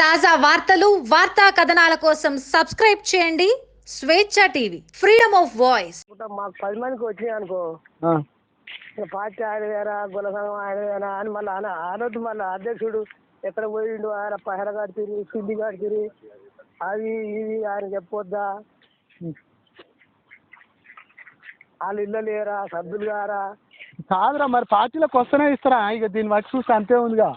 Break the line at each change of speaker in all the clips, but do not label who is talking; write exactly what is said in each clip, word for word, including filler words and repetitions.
తాజా వార్తలు వార్తా కథనాల కోసం సబ్స్క్రైబ్ చేయండి స్వేచ్ఛ టీవీ ఫ్రీడమ్ ఆఫ్ వాయిస్.
మాకు పది మందికి వచ్చినాయి అనుకో, పార్టీ ఆడవేరా గుల సంఘం ఆడవేరా అని మళ్ళీ అన అనొద్దు. మళ్ళీ అధ్యక్షుడు ఎక్కడ పోయిండు, ఆయన పహర కడుతుంది సిద్ధి కడుతుంది అవి ఇవి ఆయన చెప్పొద్దా, వాళ్ళు ఇల్లు లేరా సభ్యులు గారా
కాదురా. మరి పార్టీలకు వస్తేనే ఇస్తారా? ఇక దీన్ని బట్టి చూస్తే అంతే ఉందిగా.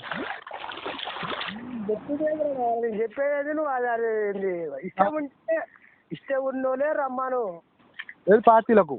నేను చెప్పేది నువ్వు అది అది ఇష్టం ఉంటే ఇష్టం ఉన్నోలే రమ్మాను
ఏది పార్టీలకు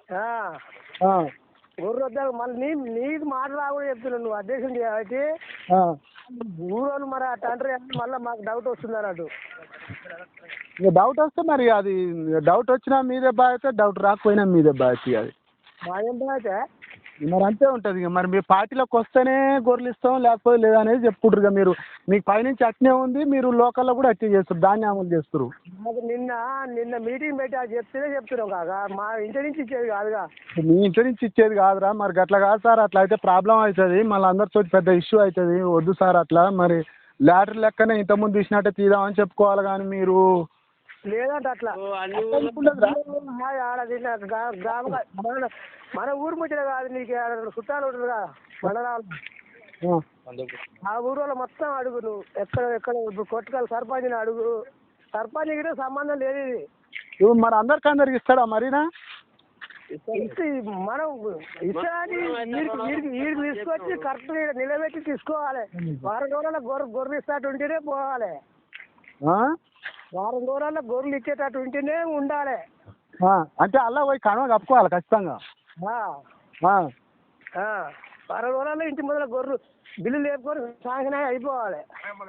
ఊరు వద్దా. మళ్ళీ నీ నీకు మాట రాకుండా చెప్తున్నావు నువ్వు అధ్యక్షుడు కాబట్టి ఊరోళ్ళు మరి అట్లా అంటారు. మళ్ళీ మాకు డౌట్ వస్తుంది అన్నట్టు.
ఇక డౌట్ వస్తే మరి అది డౌట్ వచ్చినా మీదే బాధ్యత, డౌట్ రాకపోయినా మీదే బాధ్యత. అది
మాదేం బాధ్యత
మరి అంతే ఉంటుంది. ఇక మరి మీ పార్టీలోకి వస్తేనే గొర్రెలు ఇస్తాం లేకపోతే లేదా అనేది చెప్పుకుంటారు. ఇక మీరు మీకు పైనుంచి అట్నే ఉంది, మీరు లోకల్లో కూడా అట్నే చేస్తారు, దాన్ని అమలు చేస్తారు.
మాకు నిన్న నిన్న మీటింగ్ పెట్టి అది చెప్తేనే చెప్తున్నాం కాక మా ఇంటి నుంచి ఇచ్చేది కాదుగా.
మీ ఇంటి నుంచి ఇచ్చేది కాదురా. మరి అట్లా కాదు సార్, అట్లా అయితే ప్రాబ్లం అవుతుంది, మళ్ళీ అందరితో పెద్ద ఇష్యూ అవుతుంది. వద్దు సార్ అట్లా. మరి లాటరీ లెక్కనే ఇంతకుముందు తీసినట్టే తీద్దామని చెప్పుకోవాలి. కానీ మీరు
లేదంటే అట్లా మన ఊరు ముచ్చట కాదు, నీకు చుట్టాలు ఉంటుంది కదా మండలాలు, ఆ ఊరు మొత్తం అడుగు నువ్వు. ఎక్కడ ఎక్కడ ఇప్పుడు కొట్టుకల్ సర్పంచ్ని అడుగు, సర్పంచ్ కూడా సంబంధం లేదు ఇది.
మరి అందరికి అందరికి ఇస్తాడా మరినా?
మనం ఇస్తాని వీడికి వీడికి తీసుకొచ్చి కరెక్ట్ నిలబెట్టి తీసుకోవాలి. వారం రోజుల గొర్రె గొర్రెలు ఇస్తాటు ఉంటేనే పోవాలి. వారం రోజుల గొర్రెలు ఇచ్చేటట్టు ఉంటేనే ఉండాలి.
అంటే అలా పోయి కనుమ కప్పుకోవాలి ఖచ్చితంగా.
వారం రోజుల్లో ఇంటి మొదల గొర్రెలు బిల్లు లేపుకొని సాంక్షన్ అయిపోవాలి.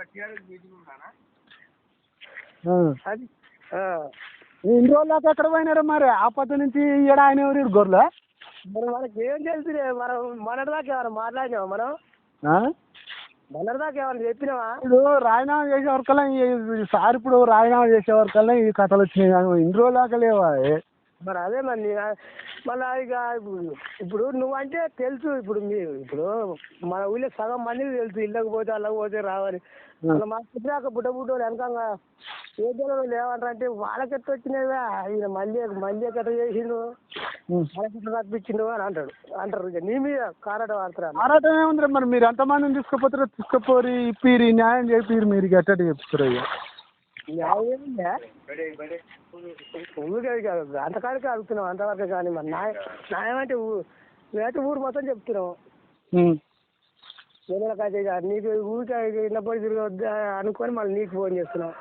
అది
ఇన్ని రోజులు దాకా ఎక్కడ పోయినారు మరి? ఆ పద్ధతి నుంచి ఈడ ఆయన ఎవరు గొర్రెలు?
మరి మనకి ఏం తెలుసులే. మనం మొన్నటిదాకా ఏమైనా మాట్లాడినావా? మనం మొన్నటిదాకా ఏమైనా చెప్పినావా?
ఇప్పుడు రాజీనామా చేసే వరకల్లా సార్ ఇప్పుడు రాజీనామా చేసే వరకల్లా ఈ కథలు వచ్చినాయి. కానీ ఇన్ని రోజులు దాకా లేవా?
మరి అదే మరి మళ్ళీ ఇక ఇప్పుడు నువ్వంటే తెలుసు. ఇప్పుడు మీ ఇప్పుడు మన ఊళ్ళో సగం మందికి తెలుసు, ఇళ్ళకి పోతే అల్లకి పోతే రావాలి. మళ్ళీ మా పుట్టినాక బుడ్డ బుడ్డ వెనకంగా ఏ జనం లేవంటారు అంటే వాళ్ళకి ఎట్లా వచ్చినాయివా, ఈయన మళ్ళీ మళ్ళీ ఎట్లా చేసిండు, వాళ్ళకి ఎట్లా తప్పించిండు అని అంటాడు అంటారు. ఇక నీ మీద కారాట వాడతారు.
కారాటం ఏముంది? మరి మీరు ఎంతమందిని తీసుకుపోతారో తీసుకుపోరి ఇప్పిరి న్యాయం చేపిరు. మీరు ఎట్ట చెప్తారు? ఇక
న్యాయం ఊరికే అంతకాడికే అడుగుతున్నాం, అంతవరకే. కానీ మరి న్యాయం న్యాయం అంటే మేమైతే ఊరు మొత్తం చెప్తున్నాం. పిల్లలకైతే ఇక నీకు ఊరికే ఇన్నప్పుడు తిరగద్దా అనుకొని మళ్ళీ నీకు ఫోన్ చేస్తున్నాం.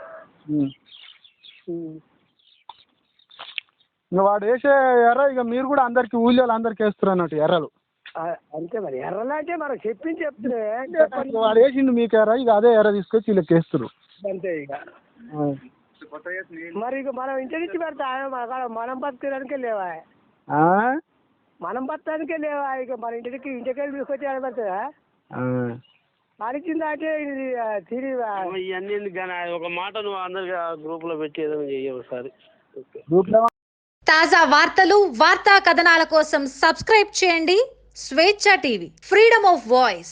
ఇంకా వాడు వేసే ఎర్ర ఇక మీరు కూడా అందరికి ఊళ్ళో అందరికి వేస్తారు అన్నట్టు ఎర్రలు.
అంతే మరి. ఎర్రలు అంటే మనం చెప్పింది చెప్తున్నాయి.
వాడు వేసిండు మీకు ఎర్ర, ఇక అదే ఎర్ర తీసుకొచ్చి వీళ్ళకి వేస్తారు
అంతే. ఇక మరి ఇక మనం ఇంటి నుంచి పెడతా మనం బతకడానికే లేవా, మనం బతకడానికే లేవా. ఇక మన ఇంటికి ఇంటికెళ్ళి తీసుకొచ్చి ఆడ పెడతారా? అడిగిందంటే ఇది తిరిగి
ఇవన్నీ కానీ ఒక మాట నువ్వు అందరికి గ్రూప్ లో పెట్టి ఏదైనా చెయ్యి ఒకసారి.
తాజా వార్తలు వార్తా కథనాల కోసం సబ్స్క్రైబ్ చేయండి స్వేచ్ఛ టీవీ ఫ్రీడమ్ ఆఫ్ వాయిస్.